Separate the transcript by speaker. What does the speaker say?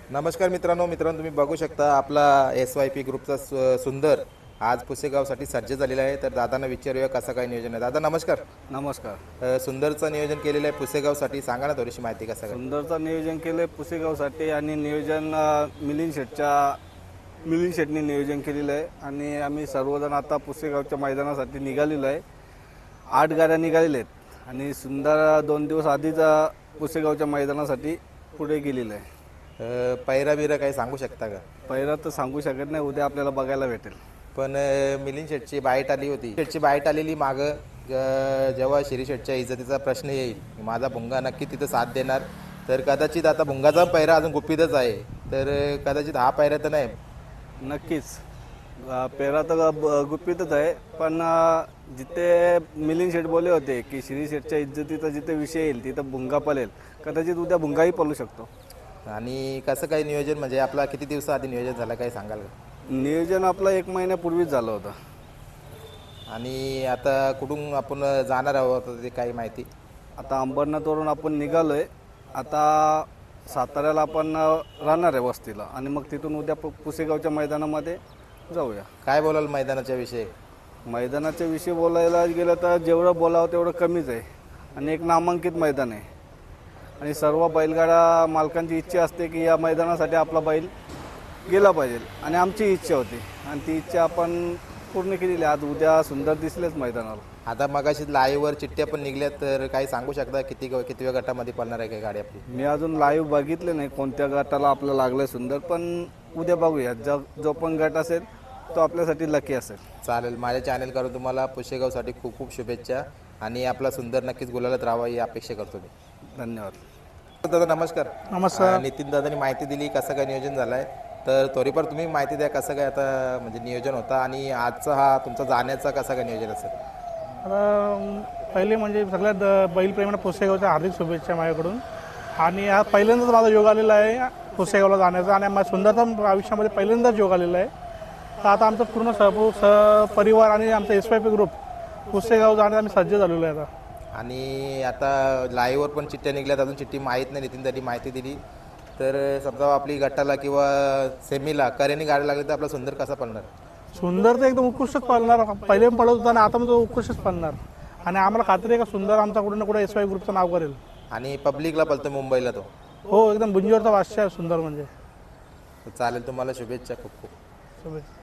Speaker 1: नमस्कार मित्रांनो तुम्ही बघू शकता आपला SYP ग्रुपचा सुंदर आज पुसेगावसाठी सज्ज झालेला आहे. तर दादांना विचारूया कसं काय नियोजन आहे. दादा नमस्कार.
Speaker 2: नमस्कार.
Speaker 1: सुंदरचं नियोजन केलेलं आहे पुसेगावसाठी, सांगा ना थोडीशी माहिती कसं काय.
Speaker 2: सुंदरचं नियोजन केलं आहे पुसेगावसाठी आणि नियोजन मिलिंद शेटनी नियोजन केलेलं आहे आणि आम्ही सर्वजण आता पुसेगावच्या मैदानासाठी निघालेलो आहे. 8 गाड्या निघालेल्या आहेत आणि सुंदर 2 दिवस आधीच पुसेगावच्या मैदानासाठी पुढे गेलेलं आहे.
Speaker 1: पैरा बिरा काही सांगू शकता का?
Speaker 2: पहिला तर सांगू शकत नाही, उद्या आपल्याला बघायला भेटेल.
Speaker 1: पण मिलिंद शेटची बाईट आली होती, शेटची बाईट आलेली मागं जेव्हा श्री शेटच्या इज्जतीचा प्रश्न येईल, माझा भुंगा नक्की तिथं साथ देणार. तर कदाचित आता भुंगाचा पैरा अजून गुपितच आहे, तर कदाचित हा पैरा तर नाही.
Speaker 2: नक्कीच पेरा तर गुपितच आहे, पण जिथे मिलिंद शेठ बोलले होते की श्री शेठच्या इज्जतीचा जिथे विषय येईल तिथं भुंगा पलेल, कदाचित उद्या भुंगाही पलू शकतो.
Speaker 1: आणि कसं काय नियोजन, म्हणजे आपला किती दिवसाआधी नियोजन झालं काही सांगाल का?
Speaker 2: नियोजन आपलं 1 महिन्यापूर्वीच झालं होतं.
Speaker 1: आणि आता कुठून आपण जाणार आहोत ते काही माहिती?
Speaker 2: आता अंबरनाथवरून आपण निघालो आहे. आता साताऱ्याला आपण राहणार आहे वस्तीला आणि मग तिथून उद्या पुसेगावच्या मैदानामध्ये जाऊया.
Speaker 1: काय बोलाल मैदानाच्या विषयी?
Speaker 2: मैदानाच्या विषयी बोलायला गेलं तर जेवढं बोलावं तेवढं कमीच आहे आणि एक नामांकित मैदान आहे आणि सर्व बैलगाडा मालकांची इच्छा असते की या मैदानासाठी आपला बैल गेला पाहिजे आणि आमची इच्छा होती आणि ती इच्छा आपण पूर्ण केलेली. आज उद्या सुंदर दिसलेच मैदानाला.
Speaker 1: आता मगाशी लाईव्हवर चिठ्ठ्या पण निघल्यात, तर काही सांगू शकता कितव्या गटामध्ये पडणार आहे काही गाडी आपली?
Speaker 2: मी अजून लाईव्ह बघितले नाही कोणत्या गटाला आपलं लागलं सुंदर, पण उद्या बघूया. जो पण गट असेल तो आपल्यासाठी लकी असेल.
Speaker 1: चालेल. माझ्या चॅनल करून तुम्हाला पुसेगावसाठी खूप खूप शुभेच्छा आणि आपला सुंदर नक्कीच गुलालात राहावा ही अपेक्षा करतो मी.
Speaker 2: धन्यवाद.
Speaker 1: दादा नमस्कार.
Speaker 3: नमस्कार.
Speaker 1: नितीन दादांनी माहिती दिली कसं काय नियोजन झालं आहे, तर थोडीफार तुम्ही माहिती द्या कसं काय आता म्हणजे नियोजन होता आणि आजचा हा तुमचा जाण्याचा कसं काय नियोजन असेल?
Speaker 3: आता पहिले म्हणजे सगळ्यात बैलप्रेमींना पुसेगावच्या हार्दिक शुभेच्छा माझ्याकडून. आणि हा पहिल्यांदाच माझा योग आलेला आहे पुसेगावला जाण्याचा आणि माझ्या सुंदरचा आयुष्यामध्ये पहिल्यांदाच योग आलेला आहे. तर आता आमचं पूर्ण परिवार आणि आमचा SYP ग्रुप पुसेगाव जाण्यास आम्ही सज्ज झालेलो आहे आता.
Speaker 1: आणि आता लाईव्हवर पण चिठ्ठ्या निघल्यात, अजून चिठ्ठी माहीत नाही. नितीन दादी माहिती दिली तर समजा आपली गटाला किंवा सेमीला करेनी गाडी लागली तर आपला सुंदर कसा पडणार?
Speaker 3: सुंदर तर एकदम उत्कृष्टच पाळणार, पहिले पण पडत होता आणि आता पण तो उत्कृष्टच पाळणार आणि आम्हाला खात्री आहे का सुंदर आमचा कुठे ना कुठे SYP ग्रुपचं नाव करेल.
Speaker 1: आणि पब्लिकला पळतो मुंबईला तो.
Speaker 3: हो, एकदम बुंजीवरचा वाश्य आहे सुंदर म्हणजे.
Speaker 1: चालेल. तुम्हाला शुभेच्छा खूप खूप.
Speaker 3: शुभेच्छा.